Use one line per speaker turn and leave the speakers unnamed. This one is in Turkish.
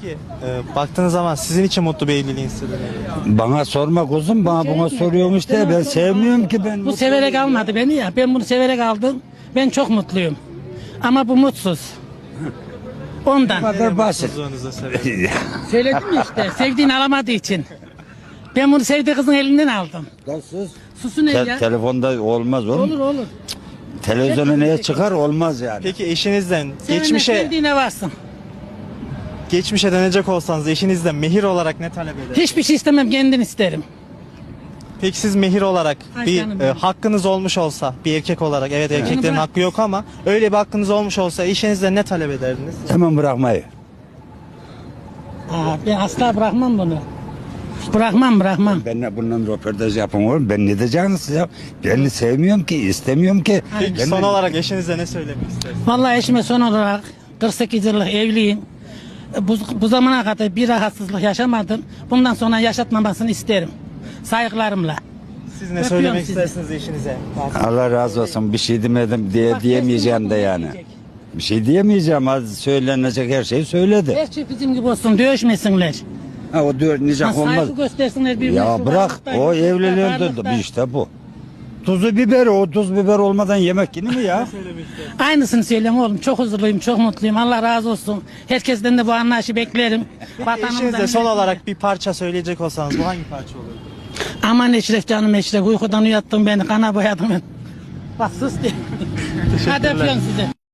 Peki baktığınız zaman sizin için mutlu bir evliliğin sırrı nedir?
Bana sorma kuzum, bana buna soruyormuş de ben sevmiyorum ki ben.
Bu severek almadı beni ya. Ben bunu severek aldım. Ben çok mutluyum. Ama bu mutsuz. Ondan.
Bu kadar basit.
Mutsuzluğunuzu sebebi.
Söyledim ya işte. Sevdiğini alamadığı için. Ben bunu sevdiği kızın elinden aldım.
Sus.
Susun el ya.
Telefonda olmaz oğlum.
Olur.
Televizyona neye çıkar olmaz yani.
Peki eşinizden
Sevene sevdiğine varsın.
geçmişe dönecek olsanız eşinizden mehir olarak ne talep eder?
Hiçbir şey istemem, kendin isterim.
Peki siz mehir olarak
Ay
bir
canım benim.
hakkınız olmuş olsa bir erkek olarak, evet erkeklerin
bırak.
hakkı yok ama öyle bir hakkınız olmuş olsa eşinizden ne talep ederdiniz?
Hemen bırakmayı.
Ben asla bırakmam bunu. Bırakmam.
Ben bundan röportaj yapın oğlum. Ben ne diyeceksiniz ya? Ben sevmiyorum ki, istemiyorum ki.
Peki
Ben
son olarak eşinize ne söylemek istersiniz?
Vallahi eşime son olarak 48 yıllık evliyim. Bu zamana kadar bir rahatsızlık yaşamadım. Bundan sonra yaşatmamasını isterim. Saygılarımla.
Siz ne
Öpüyorum
söylemek
sizi.
istersiniz eşinize?
Allah razı olsun. Bir şey demedim diye
Bak,
diyemeyeceğim de
kesin
yani.
diyecek.
Bir şey diyemeyeceğim. Az söylenecek her şeyi söyledi.
Her şey bizim gibi olsun, dövüşmesinler.
Ha, o diyor nicak olmaz.
Saygı göstersinler birbirine.
Ya
şu
bırak
varlıkta,
o
yoklukta,
evliliğin
varlıkta.
işte bu. Tuzu biberi, o tuz biber olmadan yemek yenir mi ya?
Aynısını söyleyeyim oğlum. Çok huzurluyum, çok mutluyum. Allah razı olsun. Herkesten de bu anlayışı beklerim.
Eşinizle son olarak bir parça söyleyecek olsanız bu hangi parça olur?
Aman Eşref canım Eşref, uykudan uyattın beni, kana boyadın beni. Bak sus diye. Hadi öpüyorum size.